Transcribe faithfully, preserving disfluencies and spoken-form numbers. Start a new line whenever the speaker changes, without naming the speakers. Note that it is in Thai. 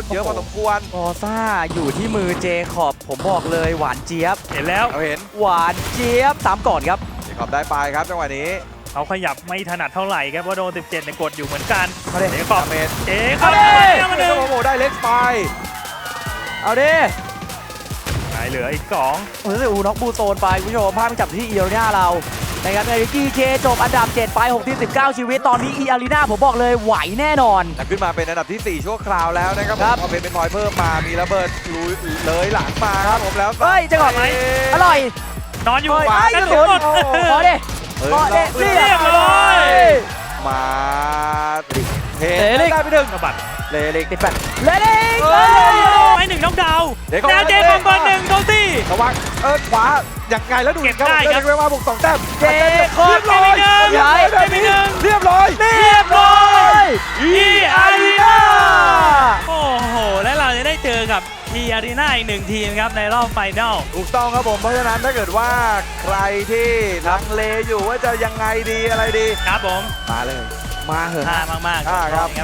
นเยอะพอสมควร
ฟอร์ซ่าอยู่ที่มือเจคอบผมบอกเลยหวานเจี๊ยบ
เห็นแล้ว
เราเห็น
หวานเจี๊ยบสามก่อนครับ
เจคอบได้ไปครับจังหวะนี้
เขาขยับไม่ถนัดเท่าไหร่ครับเพราะโดนสิบเจ็ดในกดอยู่เหมือนกัน
เอาดิ
เจ๊ขอบ
ดาเมจ
เจ๊ข
เอา
อบ
ดิ
เอามาห
เจ
นึ่ง
คอบโอ้ได้เล็กไป
เอาดิ
ไหนเหลืออีกสอง
โอ้ยอูน็อกบูโซนไปคุณผู้ชมภาพมันจับที่อีอารีนาเรานะครับในวิกกี้เคจบอันดับเจ็ดไปหกที่สิบเก้าชีวิตตอนนี้อีอารีนาผมบอกเลยไหวแน่นอน
แต่ขึ้นมาเป็นอันดับที่สี่ชั่วคราวแล้วนะครับ
ครับ
พอเป็นเป็นพอยเพิ่มมามีระเบิดลุยเลยหลังมาครับผมแล้ว
เฮ้ยเจะก่อนไหมอร่อย
นอนอยู่
เฮ้ย
ขวา
ไอ้
กระ
กระ
สุ
สุ
น
น
หมด
ขอดิ
เฮ้ย
ขอดิ
เรี
เรียบร้อย
มาเท
เตะลิก
ได้ไปหนึ่ง
กระบัด
เลเล็ก
ติดแปดเลดิก
เฮ้ย
ไปหนึ่งน้องดาว
เดี๋ยวก่อน
แล้วเจ๊ขอบเบอร์หนึ่งโดนซี่
ระวังเออขวาอย่างไงแล้วดู
เก็บ
ครับ
ได้
ผม
ครับ
เรียกว่าบุกสองแต้ม
เจคอบ
เรียบร้อย
เก็บไปหนึ่ง
เรียบร้อย
เรียบร้อย
เรียบร้อย
อีอารีนา
อา
โอ้โห และเราจะได้เจอกับอีอารีนาอีกหนึ่งทีมครับในรอบไฟนอล
ถูกต้องครับผมเพราะฉะนั้นถ้าเกิดว่าใครที่ลังเลอยู่ว่าจะยังไงดีอะไรดี
ครับผม
มาเลย
มาเหอะ
ท่ามากๆ
อ่าครับ
ครับ